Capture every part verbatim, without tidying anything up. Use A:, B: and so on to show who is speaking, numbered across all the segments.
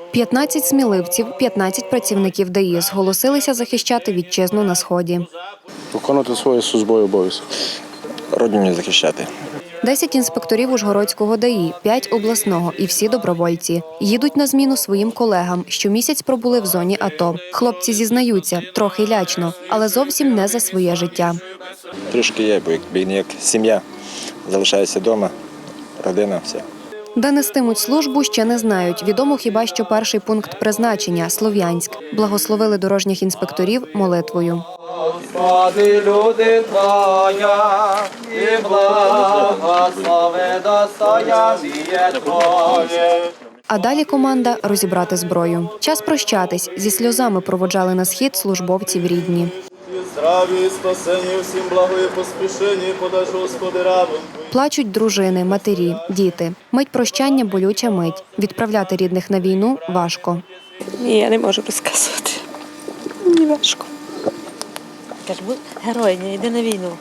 A: п'ятнадцять сміливців, п'ятнадцять працівників ДАІ зголосилися захищати вітчизну на Сході.
B: Виконувати свої службові обов'язки.
C: Родину захищати.
A: десять інспекторів Ужгородського ДАІ, п'ять обласного і всі добровольці. Їдуть на зміну своїм колегам, що місяць пробули в зоні АТО. Хлопці зізнаються, трохи лячно, але зовсім не за своє життя.
C: Трішки є, бо якби як сім'я. Залишається вдома, родина, все.
A: Де нестимуть службу, ще не знають. Відомо хіба що перший пункт призначення – Слов'янськ. Благословили дорожніх інспекторів молитвою.
D: Господи, люди Твоя, і благослови достояння Твоє.
A: А далі команда – розібрати зброю. Час прощатись. Зі сльозами проводжали на схід службовців рідні.
D: Здраві, спасені, всім благої поспішені, подай, Господи, рабам.
A: Плачуть дружини, матері, діти. Мить прощання – болюча мить. Відправляти рідних на війну – важко.
E: Ні, я не можу розказувати. Мені важко.
F: Кажу, будь герой, не йди на війну.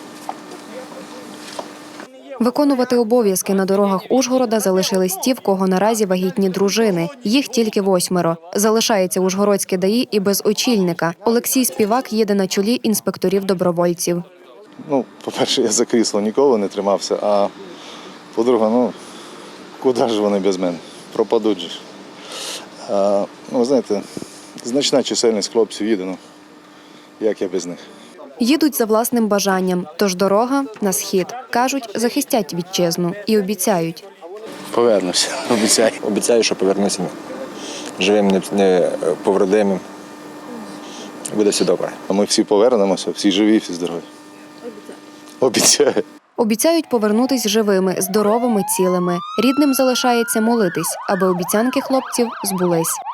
A: Виконувати обов'язки на дорогах Ужгорода залишились ті, в кого наразі вагітні дружини. Їх тільки восьмеро. Залишається Ужгородське ДАІ і без очільника. Олексій Співак їде на чолі інспекторів-добровольців.
B: Ну, по-перше, я за крісло ніколи не тримався, а по-друге, ну, куди ж вони без мене? Пропадуть же. А, ну, знаєте, значна чисельність хлопців їде, ну, як я без них.
A: Їдуть за власним бажанням, тож дорога на схід. Кажуть, захистять вітчизну і обіцяють.
B: Повернуся, обіцяю.
C: Обіцяю, що повернуся живим, не- не повродимим. Буде все добре.
B: А ми всі повернемося, всі живі, всі здорові. Обіцяю.
A: Обіцяють повернутись живими, здоровими, цілими. Рідним залишається молитись, аби обіцянки хлопців збулись.